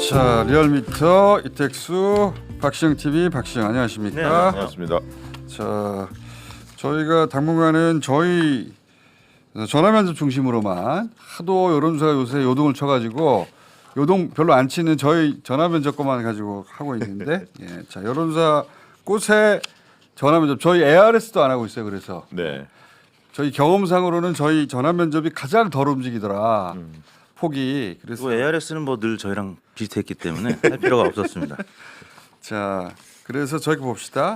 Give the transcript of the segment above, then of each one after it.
자, 리얼미터 이택수 박시영 TV 박시영 안녕하십니까? 네, 안녕하십니까. 자, 저희가 당분간은 저희 전화면접 중심으로만 하도 여론조사가 요새 요동을 쳐가지고 요동 별로 안 치는 저희 전화면접 것만 가지고 하고 있는데 예, 자 여론조사 꽃에 전화면접 저희 ARS도 안 하고 있어요. 그래서 네. 저희 경험상으로는 저희 전화면접이 가장 덜 움직이더라. 폭이. 그래서 ARS는 뭐 늘 저희랑 비슷했기 때문에 할 필요가 없었습니다. 자, 그래서 저희 봅시다.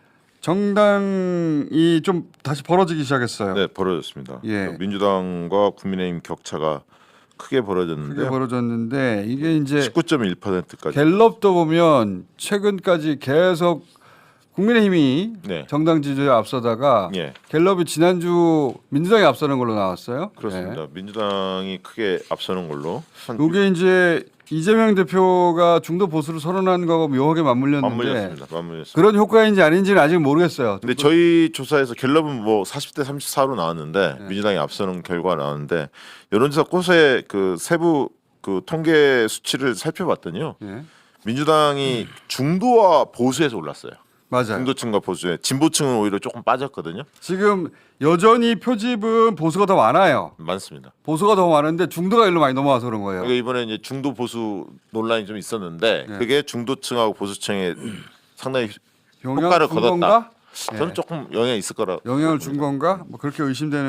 정당이 좀 다시 벌어지기 시작했어요. 네, 벌어졌습니다. 예. 민주당과 국민의힘 격차가 크게 벌어졌는데 크게 벌어졌는데 이게 이제 19.1%까지. 갤럽도 보면 최근까지 계속 국민의힘이 네. 정당 지지율에 앞서다가 예. 갤럽이 지난주 민주당이 앞서는 걸로 나왔어요. 그렇습니다. 네. 민주당이 크게 앞서는 걸로. 이게 이제 이재명 대표가 중도 보수를 선언한 거하고 묘하게 맞물렸는데 맞물렸습니다. 그런 효과인지 아닌지는 아직 모르겠어요. 근데 저희 조사에서 갤럽은 뭐 40대 34로 나왔는데 네. 민주당이 앞서는 결과가 나왔는데 여론조사 꽃의 그 세부 그 통계 수치를 살펴봤더니요. 예. 민주당이 중도와 보수에서 올랐어요. 맞아요. 중도층과 보수에 진보층은 오히려 조금 빠졌거든요. 지금 여전히 표집은 보수가 더 많아요. 많습니다. 보수가 더 많은데 중도가 일로 많이 넘어와서 그런 거예요. 그러니까 이번에 이제 중도 보수 논란이 좀 있었는데 네. 그게 중도층하고 보수층에 상당히 영향을 효과를 준 거뒀다. 건가? 저는 예. 조금 영향이 있을 거라. 영향을 준 건가? 뭐 그렇게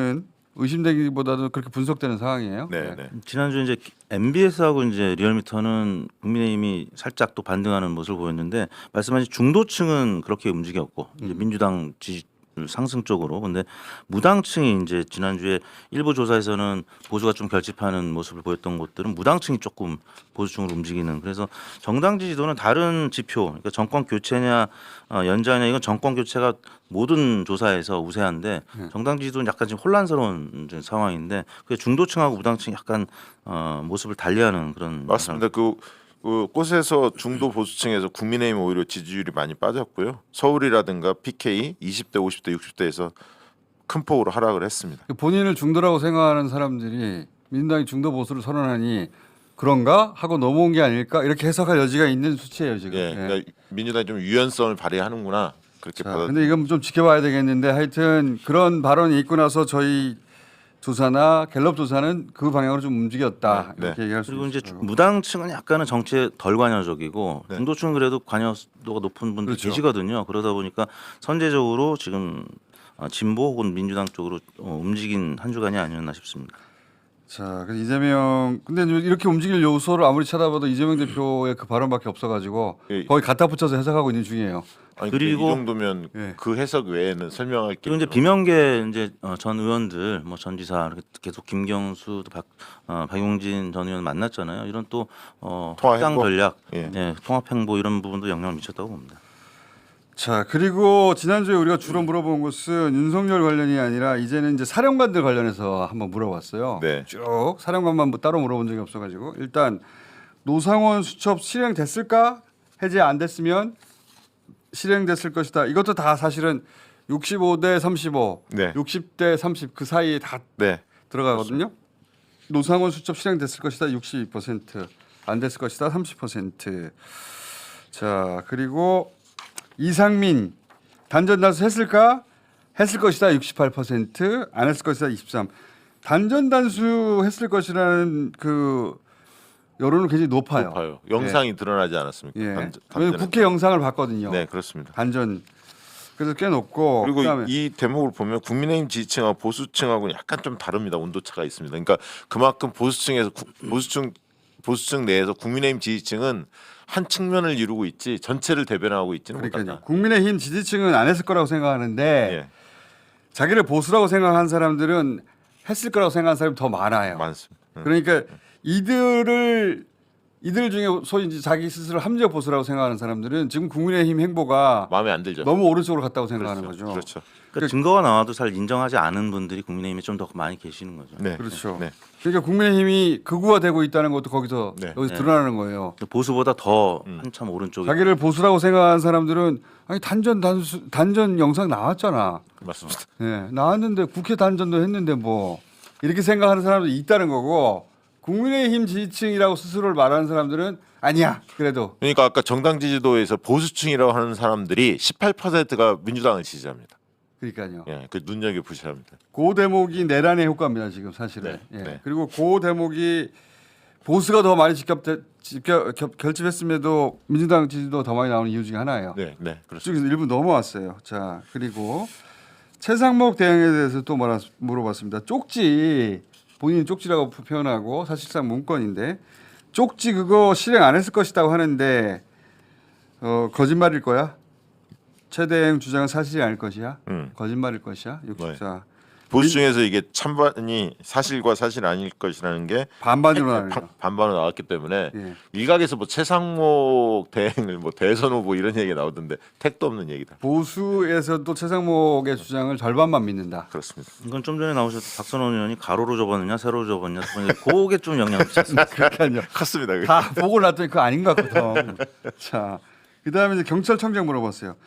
의심되기보다도 그렇게 분석되는 상황이에요. 네, 예. 네. 지난주 이제 MBS하고 이제 리얼미터는 국민의힘이 살짝 또 반등하는 모습을 보였는데 말씀하신 중도층은 그렇게 움직였고 이제 민주당 지지 상승 쪽으로 근데 무당층이 이제 지난주에 일부 조사에서는 보수가 좀 결집하는 모습을 보였던 곳들은 무당층이 조금 보수층으로 움직이는 그래서 정당 지지도는 다른 지표 그러니까 정권 교체냐 연장이냐 이건 정권 교체가 모든 조사에서 우세한데 정당 지지도는 약간 지금 혼란스러운 이제 상황인데 그 중도층하고 무당층이 약간 모습을 달리하는 그런 맞습니다. 그 꽃에서 중도 보수층에서 국민의힘 오히려 지지율이 많이 빠졌고요. 서울이라든가 PK 20대, 50대, 60대에서 큰 폭으로 하락을 했습니다. 본인을 중도라고 생각하는 사람들이 민주당이 중도 보수를 선언하니 그런가 하고 넘어온 게 아닐까 이렇게 해석할 여지가 있는 수치예요 지금. 예, 예. 그러니까 민주당이 좀 유연성을 발휘하는구나 그렇게 받아. 근데 이건 좀 지켜봐야 되겠는데 하여튼 그런 발언이 있고 나서 저희 조사나 갤럽 조사는 그 방향으로 좀 움직였다 네, 이렇게 얘기할 수 그리고 이제 있어요. 무당층은 약간은 정치에 덜 관여적이고 네. 중도층은 그래도 관여도가 높은 분들 그렇죠. 계시거든요. 그러다 보니까 선제적으로 지금 진보 혹은 민주당 쪽으로 움직인 한 주간이 아니었나 싶습니다. 자, 그래서 이재명 근데 이렇게 움직일 요소를 아무리 찾아봐도 이재명 대표의 그 발언밖에 없어가지고 예. 거의 갖다 붙여서 해석하고 있는 중이에요. 아니, 그리고- 이 정도면 예. 그 해석 외에는 설명할 게 그리고 이제 비명계 이제 전 의원들 뭐 전 지사 이렇게 계속 김경수 박용진 전 의원 만났잖아요. 이런 또 통합 확장 행보? 전략, 예. 통합 행보 이런 부분도 영향을 미쳤다고 봅니다. 자, 그리고 지난주에 우리가 주로 물어본 것은 윤석열 관련이 아니라 이제는 이제 사령관들 관련해서 한번 물어봤어요. 네. 쭉 사령관만 뭐 따로 물어본 적이 없어가지고 일단 노상원 수첩 실행됐을까? 해제 안 됐으면 실행됐을 것이다. 이것도 다 사실은 65대 35, 네. 60대 30 그 사이에 다 네. 들어가거든요. 노상원 수첩 실행됐을 것이다 62%, 안 됐을 것이다 30%. 자, 그리고 이상민 단전 단수 했을까? 했을 것이다 68%, 안 했을 것이다 23. 단전 단수 했을 것이라는 그 여론은 굉장히 높아요. 높아요. 영상이 드러나지 않았습니까? 예. 단전에. 왜냐면 국회 영상을 봤거든요. 네, 그렇습니다. 단전. 그래서 꽤 높고 그리고 그다음에 이 대목을 보면 국민의힘 지지층하고 보수층하고는 약간 좀 다릅니다. 온도차가 있습니다. 그러니까 그만큼 보수층에서 보수층 내에서 국민의힘 지지층은 한 측면을 이루고 있지 전체를 대변하고 있지는 그러니까요. 못한다. 국민의힘 지지층은 안 했을 거라고 생각하는데 예, 자기를 보수라고 생각하는 사람들은 했을 거라고 생각하는 사람이 더 많아요. 많습니다. 그러니까 이들 중에 소위 이제 자기 스스로 합리적 보수라고 생각하는 사람들은 지금 국민의힘 행보가 마음에 안 들죠. 너무 오른쪽으로 갔다고 생각하는 그렇죠. 거죠. 그렇죠. 그러니까 증거가 나와도 잘 인정하지 않은 분들이 국민의힘에 좀 더 많이 계시는 거죠. 네, 그렇죠. 네. 그러니까 국민의힘이 극우화되고 있다는 것도 거기서 네. 여기서 네. 드러나는 거예요. 보수보다 더 한참 오른쪽에 자기를 보수라고 생각하는 사람들은 아니 단전 영상 나왔잖아. 맞습니다. 예, 나왔는데 국회 단전도 했는데 뭐 이렇게 생각하는 사람도 있다는 거고 국민의힘 지지층이라고 스스로를 말하는 사람들은 아니야. 그래도 그러니까 아까 정당 지지도에서 보수층이라고 하는 사람들이 18%가 민주당을 지지합니다. 그러니까요. 예, 그 눈여겨 보셔야 합니다. 그 대목이 내란의 효과입니다. 지금 사실은. 네, 예. 네. 그리고 그 대목이 보수가 더 많이 결집했음에도 민주당 지지도 더 많이 나오는 이유 중에 하나예요. 네, 네, 그렇습니다. 쪽에서 일부 넘어왔어요. 자 그리고 최상목 대행에 대해서 또 물어봤습니다. 쪽지 본인이 쪽지라고 표현하고 사실상 문건인데 쪽지 그거 실행 안 했을 것이라고 하는데 거짓말일 거야? 최 대행 주장은 사실이 아닐 것이야? 거짓말일 것이야? 64. 보수층에서 이게 찬반이 사실과 사실 아닐 것이라는 게 반반으로 나뉘어요. 반반으로 나왔기 때문에 예. 일각에서 뭐 최상목 대행을 뭐 대선 후보 이런 얘기가 나오던데 택도 없는 얘기다. 보수에서도 최상목의 주장을 절반만 믿는다. 그렇습니다. 이건 좀 전에 나오셨던 박선원 의원이 가로로 접었느냐 세로로 접었느냐 그게 좀 영향을 미쳤습니다. 그러니까요. 컸습니다. 그게. 다 보고 났더니 그거 아닌 것 같거든. 자, 그다음에 이제 경찰청장 물어봤어요.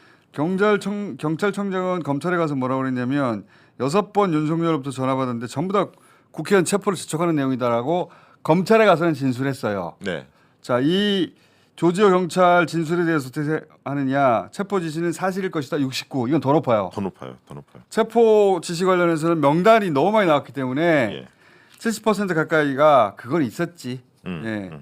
경찰청장은 검찰에 가서 뭐라고 그랬냐면 6번 윤석열로부터 전화 받았는데 전부 다 국회의원 체포를 지촉하는 내용이다라고 검찰에 가서는 진술했어요. 네. 자, 이 조지호 경찰 진술에 대해서 어떻게 하느냐? 체포 지시는 사실일 것이다. 69. 이건 더 높아요. 더 높아요. 더 높아요. 체포 지시 관련해서는 명단이 너무 많이 나왔기 때문에 예. 70% 가까이가 그건 있었지. 음, 예.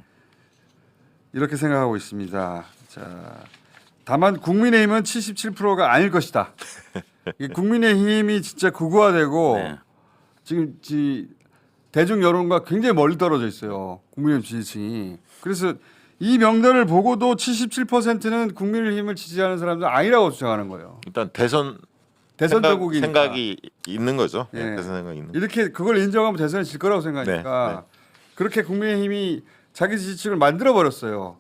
이렇게 생각하고 있습니다. 자, 다만 국민의힘은 77%가 아닐 것이다. 이게 국민의힘이 진짜 극우화되고 네. 지금 대중 여론과 굉장히 멀리 떨어져 있어요. 국민의힘 지지층이. 그래서 이 명단을 보고도 77%는 국민의힘을 지지하는 사람들 아니라고 주장하는 거예요. 일단 대선 대선정국이니까. 생각이 있는 거죠. 예. 예. 대선 생각이 있는. 이렇게 그걸 인정하면 대선에 질 거라고 생각하니까 네, 네. 그렇게 국민의힘이 자기 지지층을 만들어 버렸어요.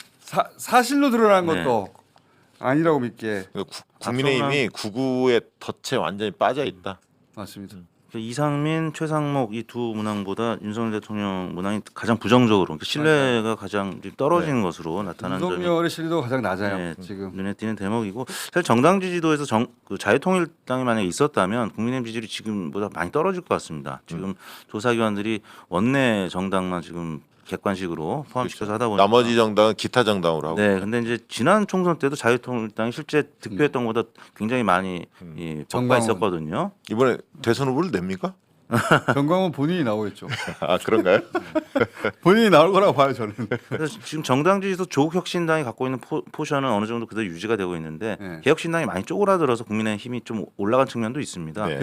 사실로 드러난 네. 것도 아니라고 믿게. 국민의힘이 구구의 덫에 완전히 빠져 있다. 맞습니다. 이상민, 최상목 이 두 문항보다 윤석열 대통령 문항이 가장 부정적으로 그러니까 신뢰가 가장 좀 떨어지는 것으로 나타나는 점이 윤석열의 신뢰도가 가장 낮아요. 네, 지금. 눈에 띄는 대목이고 사실 정당 지지도에서 그 자유통일당이 만약에 있었다면 국민의힘 지지율이 지금보다 많이 떨어질 것 같습니다. 지금 조사기관들이 원내 정당만 지금 객관식으로 포함시켜서 하다 보니까 나머지 정당은 기타 정당으로 하고. 네, 근데 이제 지난 총선 때도 자유통일당이 실제 득표했던 것보다 굉장히 많이 이 격가 정광훈. 있었거든요. 이번에 대선 후보를 냅니까? 정광훈 본인이 나오겠죠. 아 그런가요? 본인이 나올 거라고 봐요 저는. 그래서 지금 정당 지지도 조국혁신당이 갖고 있는 포션은 어느 정도 그대로 유지가 되고 있는데 네. 개혁신당이 많이 쪼그라들어서 국민의 힘이 좀 올라간 측면도 있습니다. 네.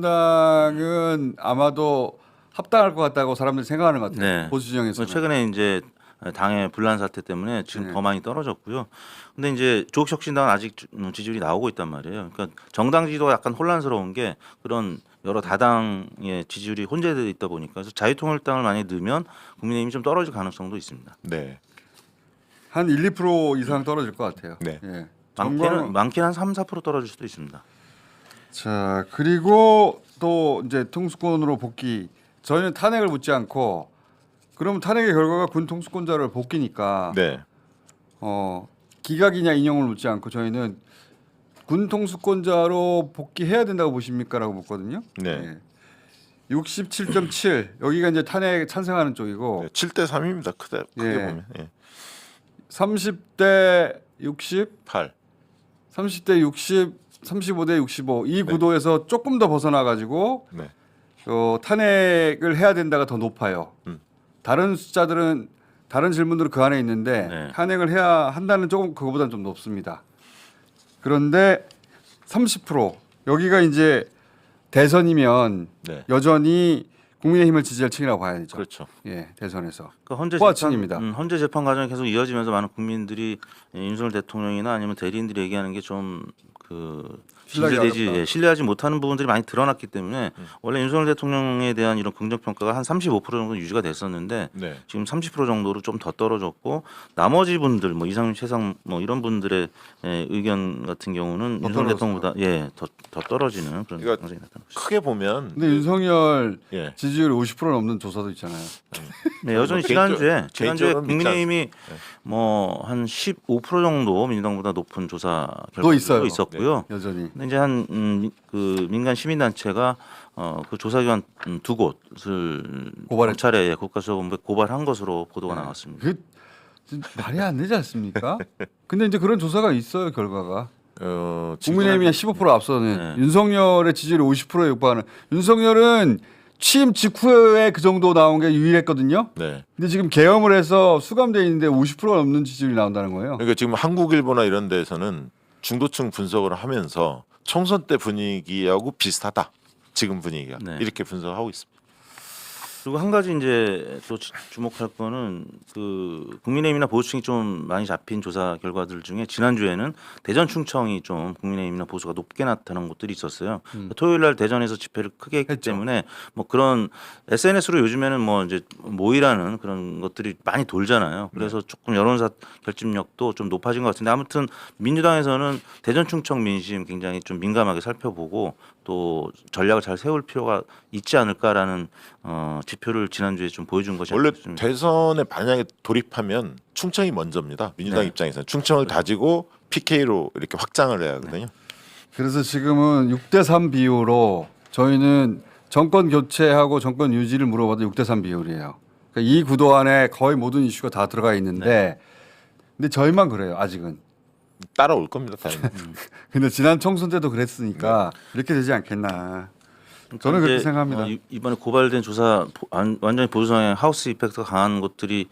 개혁신당은 아마도 합당할 것 같다고 사람들이 생각하는 것 같아요. 네. 보수 진영에서. 최근에 이제 당의 분란 사태 때문에 지금 네. 더 많이 떨어졌고요. 근데 이제 조국혁신당은 아직 지지율이 나오고 있단 말이에요. 그러니까 정당 지지도가 약간 혼란스러운 게 그런 여러 다당의 지지율이 혼재되어 있다 보니까 그래서 자유통일당을 많이 넣으면 국민의힘이 좀 떨어질 가능성도 있습니다. 네. 한 1, 2% 이상 떨어질 것 같아요. 네. 예. 많게는 한 3, 4% 떨어질 수도 있습니다. 자 그리고 또 이제 통수권으로 복귀. 저희는 탄핵을 묻지 않고 그러면 탄핵의 결과가 군 통수권자를 복귀니까 네. 기각이냐 인용을 묻지 않고 저희는 군 통수권자로 복귀해야 된다고 보십니까라고 묻거든요. 네. 67.7 여기가 이제 탄핵 찬성하는 쪽이고 7대 3입니다. 크게 예. 보면. 예. 30대 60, 8. 30대 60, 35대 65 이 구도에서 조금 더 벗어나 가지고 네. 탄핵을 해야 된다가 더 높아요. 다른 숫자들은 다른 질문들은 그 안에 있는데 네. 탄핵을 해야 한다는 조금 그거보다는 좀 높습니다. 그런데 30% 여기가 이제 대선이면 네. 여전히 국민의힘을 지지할 층이라고 봐야죠. 그렇죠. 예, 대선에서. 그러니까 호화층입니다. 헌재 재판 과정이 계속 이어지면서 많은 국민들이 윤석열 대통령이나 아니면 대리인들이 얘기하는 게 좀 신뢰하기 어렵다. 신뢰하지 못하는 부분들이 많이 드러났기 때문에 원래 윤석열 대통령에 대한 이런 긍정 평가가 한 35% 정도 유지가 됐었는데 네. 지금 30% 정도로 좀 더 떨어졌고 나머지 분들 뭐 이상민 최상 뭐 이런 분들의 의견 같은 경우는 더 윤석열 떨어졌어요. 대통령보다 더 떨어지는 그런 그러니까 현상이 나타나고 있습니다. 크게 보면 근데 윤석열 예. 지지율 50% 넘는 조사도 있잖아요. 네, 여전히 개인적으로는 지난주에 믿지 국민의힘이 뭐 한 15% 정도 민주당보다 높은 조사 또 있어요. 결과도 있었고요. 여전히. 근데 이제 한 그 민간 시민단체가 그 조사기관 두 곳을 고발했죠. 검찰에 국가수사본부에 고발한 것으로 보도가 나왔습니다. 그 말이 안 되지 않습니까? 근데 이제 그런 조사가 있어요, 결과가. 지금 국민의힘이 한 15% 앞서는 네. 윤석열의 지지율이 50%에 육박하는. 윤석열은 취임 직후에 그 정도 나온 게 유일했거든요. 네. 근데 지금 계엄을 해서 수감돼 있는데 50%가 넘는 지지율이 나온다는 거예요. 그러니까 지금 한국일보나 이런 데에서는 중도층 분석을 하면서 총선 때 분위기하고 비슷하다. 지금 분위기가 네. 이렇게 분석하고 있습니다. 그리고 한 가지 이제 또 주목할 거는 그 국민의힘이나 보수층이 좀 많이 잡힌 조사 결과들 중에 지난주에는 대전 충청이 좀 국민의힘이나 보수가 높게 나타난 곳들이 있었어요. 토요일 날 대전에서 집회를 크게 했기 했죠. 때문에 뭐 그런 SNS로 요즘에는 뭐 이제 모이라는 그런 것들이 많이 돌잖아요. 그래서 조금 여론사 결집력도 좀 높아진 것 같은데 아무튼 민주당에서는 대전 충청 민심 굉장히 좀 민감하게 살펴보고 또 전략을 잘 세울 필요가 있지 않을까라는 지표를 지난주에 좀 보여준 것이 원래 아니겠습니까? 대선에 만약에 돌입하면 충청이 먼저입니다. 민주당 네. 입장에서는 충청을 다지고 PK로 이렇게 확장을 해야 하거든요. 그래서 지금은 6대3 비율로 저희는 정권 교체하고 정권 유지를 물어봐도 6대3 비율이에요. 그러니까 이 구도 안에 거의 모든 이슈가 다 들어가 있는데 근데 저희만 그래요, 아직은. 따라올 겁니다. 당연히. 근데 지난 총선 때도 그랬으니까 이렇게 되지 않겠나. 저는 그렇게 이제, 생각합니다. 이번에 고발된 조사 완전히 보수 성향 하우스 이펙트가 강한 것들이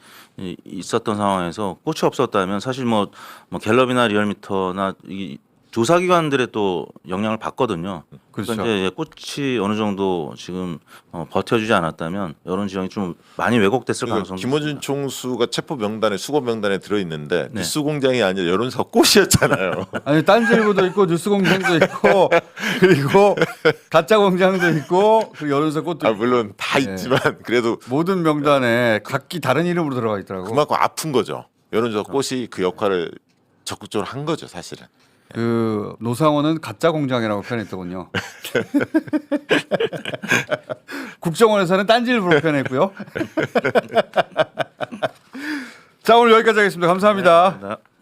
있었던 상황에서 꽃이 없었다면 사실 뭐 갤럽이나 리얼미터나 이 조사기관들의 또 영향을 받거든요. 그렇죠. 그러니까 이제 꽃이 어느 정도 지금 버텨주지 않았다면 여론 지형이 좀 많이 왜곡됐을 그러니까 가능성도 김어준 있습니다. 총수가 체포 명단에 수거 명단에 들어 있는데 네. 뉴스공장이 아니라 여론사 꽃이었잖아요. 아니 딴지일보도 있고 뉴스공장도 있고 그리고 가짜공장도 있고 그리고 여론사 꽃도 아, 있고 물론 다 네. 있지만 그래도 모든 명단에 각기 다른 이름으로 들어가 있더라고. 그만큼 아픈 거죠. 여론조사 꽃이 그 역할을 적극적으로 한 거죠, 사실은. 그 노상원은 가짜 공장이라고 표현했더군요. 국정원에서는 딴지일보로 표현했고요. 자 오늘 여기까지 하겠습니다. 감사합니다. 네.